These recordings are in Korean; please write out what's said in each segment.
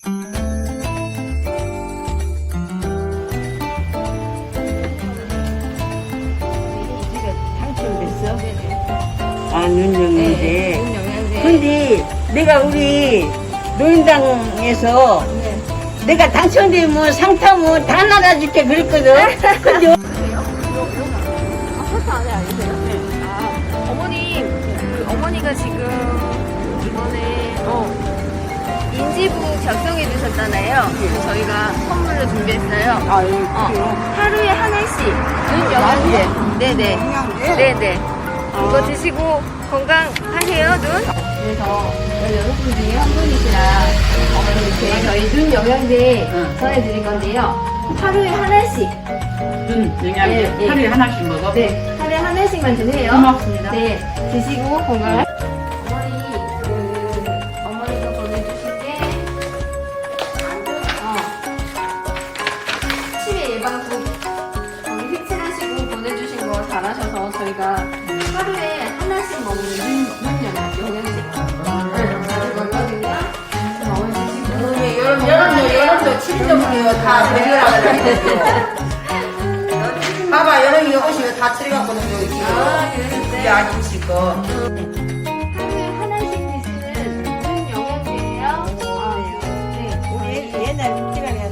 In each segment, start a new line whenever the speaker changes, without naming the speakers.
당첨됐어? 아,
네,
눈영양제. 근데 내가 우리 노인당에서 내가 당첨되면 상타면 다 나눠줄게 그랬거든. 근데
설탕 안에 아니세요? 아, 어머님, 어머니가 지금 이번에 인지부 작성해 주셨잖아요. 그래서 저희가 선물로 준비했어요.
아, 그래요?
하루에 하나씩 눈 영양제. 네네.
영양제?
네네. 이거 드시고 건강하세요, 눈. 그래서 여러분 중에 한 분이시라 어머님께 저희 눈 영양제 전해드릴 건데요. 하루에 하나씩.
눈 영양제
네,
하루에 하나씩 먹어?
네, 하루에 하나씩만 드세요.
고맙습니다.
네, 드시고 건강. 어머니가 보내주신 게 치매 예방국 거기 색칠하시고 보내주신 거 잘하셔서 저희가 하루에 하나씩 먹는 눈 영양제 가지고 있거든요. 어머니 드시고
여름도 7점이에요. 다 내려라 그래요. 봐봐, 여름이 오시면 다 처리갖고는 여기 지금. 이게 아저씨 거.
하루에 하나씩 드시는 눈 영양제예요. 네.
우리 옛날 시간에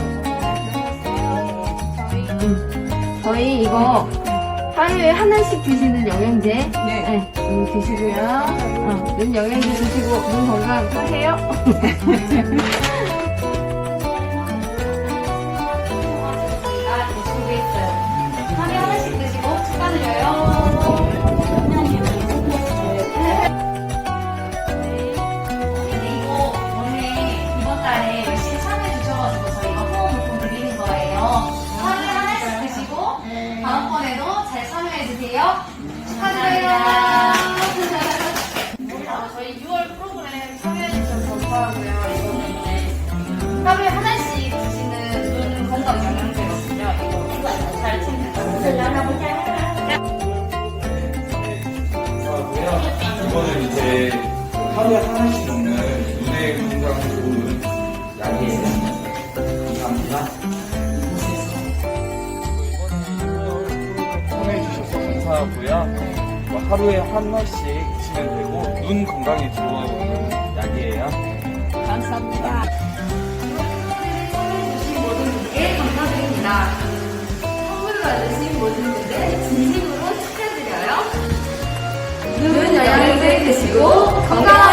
저희 이거 하루에 하나씩 드시는 영양제.
네.
드시고요. 눈 영양제 드시고 눈 건강하세요. 하루에 하나씩 드시고 축하드려요. 이거 원래 이번 달에 열심히 참여해 주셔가지고 저희가 후원 물품 드리는 거예요. 하루에 하나씩 드시고 다음번에도 잘 참여해 주세요. 축하드려요. 저희 6월 프로그램 참여해 주셔서 감사하고요. 이거는 하루에 하나씩 드시는 눈 건강 영양제거든요. 이거 잘 챙겨주세요.
이거는 이제 하루에 하나씩 먹는 눈의 건강에 좋은 약이에요. 감사합니다. 참여해주셔서 감사하고요. 하루에 하나씩 드시면 되고 눈 건강에 좋은 약이에요.
감사합니다.
참여해주신 모든 분께 감사드립니다. 선물 받으신 모든 분들 진심으로 축하드려요. 눈 영양제 드시고 건강하세요.